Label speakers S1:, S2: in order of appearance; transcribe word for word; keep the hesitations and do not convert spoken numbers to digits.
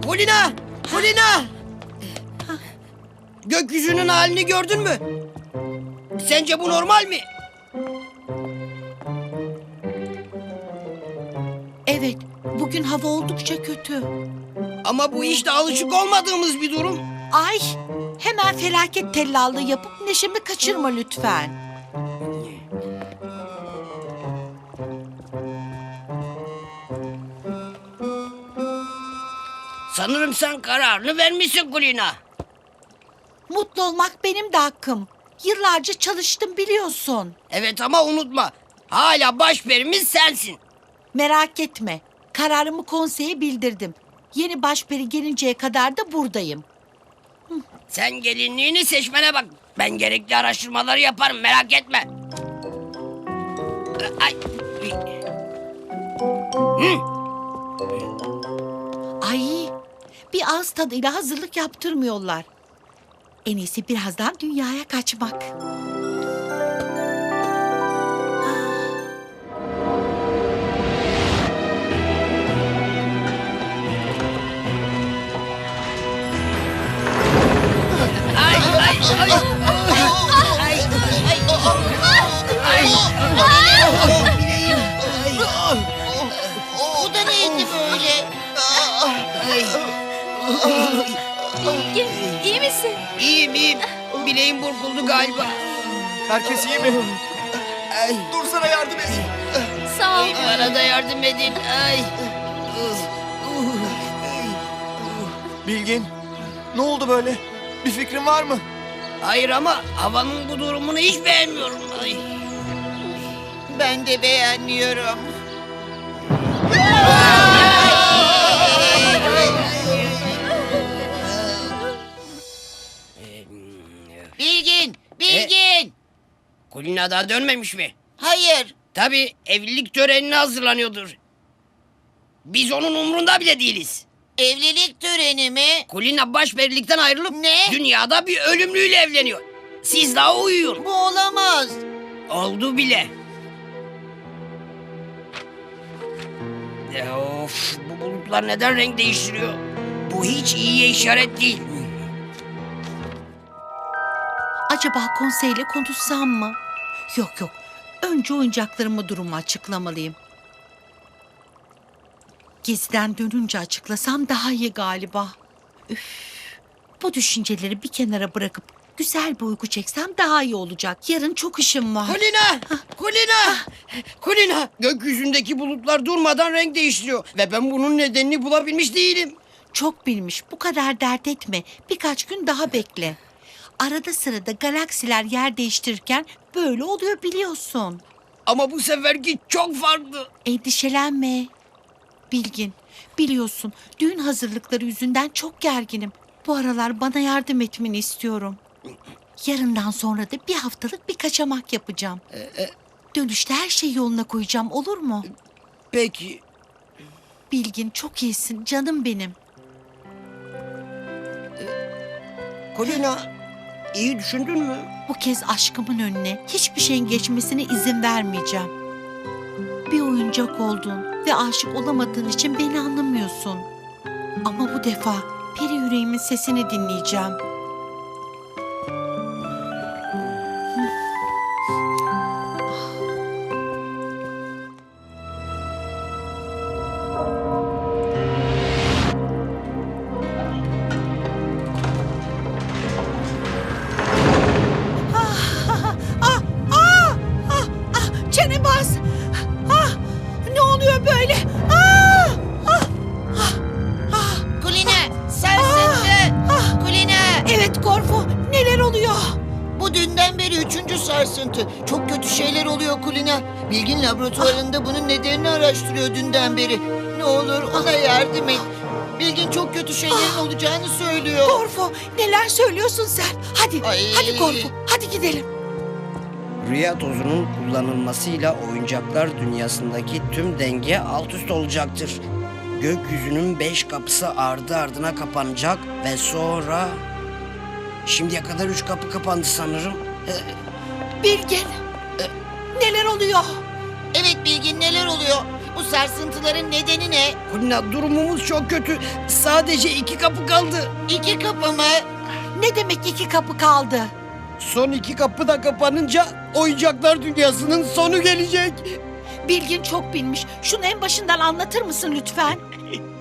S1: Kulina! Kulina! Gökyüzünün halini gördün mü? Sence bu normal mi?
S2: Evet, bugün hava oldukça kötü.
S1: Ama bu işte alışık olmadığımız bir durum.
S2: Ay, hemen felaket tellallığı yapıp neşemi kaçırma lütfen.
S1: Sanırım sen kararını vermişsin Kulina.
S2: Mutlu olmak benim de hakkım. Yıllarca çalıştım biliyorsun.
S1: Evet ama unutma. Hala başperimiz sensin.
S2: Merak etme, kararımı konseye bildirdim. Yeni başperi gelinceye kadar da buradayım.
S1: Sen gelinliğini seçmene bak. Ben gerekli araştırmaları yaparım, merak etme. Ay. Hı.
S2: Ay, bir ağız tadıyla hazırlık yaptırmıyorlar. En iyisi birazdan dünyaya kaçmak.
S1: Ay, ay, ay. Ay, ay. Ay. Bileğim. Ay.
S3: Bu da neydi böyle?
S1: Ay.
S4: Bilge, iyi misin?
S1: İyiyim, iyiyim. Bileğim burkuldu galiba.
S5: Herkes iyi mi?
S1: Ay.
S5: Dur sana yardım edeyim.
S4: Sağ ol.
S1: Bana da yardım edin. Ay.
S5: Bilgin, ne oldu böyle? Bir fikrin var mı?
S1: Hayır ama havanın bu durumunu hiç beğenmiyorum. Ay.
S3: Ben de beğenmiyorum. Bilgin, Bilgin.
S1: Kulina daha dönmemiş mi?
S3: Hayır.
S1: Tabii evlilik törenine hazırlanıyordur. Biz onun umrunda bile değiliz.
S3: Evlilik töreni mi?
S1: Kulina başperilikten ayrılıp
S3: Ne?
S1: dünyada bir ölümlüyle evleniyor. Siz daha uyuyun.
S3: Bu olamaz.
S1: Oldu bile. Ya of, bu bulutlar neden renk değiştiriyor? Bu hiç iyiye işaret değil.
S2: Acaba konseyle konuşsam mı? Yok yok, önce oyuncaklarımı durumu açıklamalıyım. Geziden dönünce açıklasam daha iyi galiba. Üf, bu düşünceleri bir kenara bırakıp güzel bir uyku çeksem daha iyi olacak. Yarın çok işim var.
S1: Kulina! Kulina! Kulina! Gökyüzündeki bulutlar durmadan renk değiştiriyor. Ve ben bunun nedenini bulabilmiş değilim.
S2: Çok bilmiş, bu kadar dert etme. Birkaç gün daha bekle. Arada sırada galaksiler yer değiştirirken böyle oluyor biliyorsun.
S1: Ama bu seferki çok farklı.
S2: Endişelenme. Bilgin, biliyorsun düğün hazırlıkları yüzünden çok gerginim. Bu aralar bana yardım etmeni istiyorum. Yarından sonra da bir haftalık bir kaçamak yapacağım. Dönüşte her şeyi yoluna koyacağım, olur mu?
S1: Peki.
S2: Bilgin, çok iyisin canım benim.
S1: Kulina, iyi düşündün mü?
S2: Bu kez aşkımın önüne hiçbir şeyin geçmesine izin vermeyeceğim. Bir oyuncak oldun ve aşık olamadığın için beni anlamıyorsun. Ama bu defa peri yüreğimin sesini dinleyeceğim. Çene bas. Ah, ne oluyor böyle? Ah, ah, ah, ah.
S3: Kulina, sarsıntı. Kulina.
S2: Evet Gorfo, neler oluyor?
S3: Bu dünden beri üçüncü sarsıntı. Çok kötü şeyler oluyor Kulina. Bilgin laboratuvarında bunun nedenini araştırıyor dünden beri. Ne olur ona yardım et. Bilgin çok kötü şeylerin olacağını söylüyor.
S2: Gorfo, neler söylüyorsun sen? Hadi,
S3: Ay.
S2: hadi Gorfo, hadi gidelim.
S1: Rüya tozunun kullanılmasıyla oyuncaklar dünyasındaki tüm denge alt üst olacaktır. Gökyüzünün beş kapısı ardı ardına kapanacak ve sonra... Şimdiye kadar üç kapı kapandı sanırım.
S2: Bilgin, neler oluyor?
S3: Evet Bilgin, neler oluyor? Bu sarsıntıların nedeni ne?
S1: Kulina, durumumuz çok kötü. Sadece iki kapı kaldı.
S3: İki kapı mı?
S2: Ne demek iki kapı kaldı?
S1: Son iki kapı da kapanınca oyuncaklar dünyasının sonu gelecek.
S2: Bilgin çok bilmiş. Şunu en başından anlatır mısın lütfen?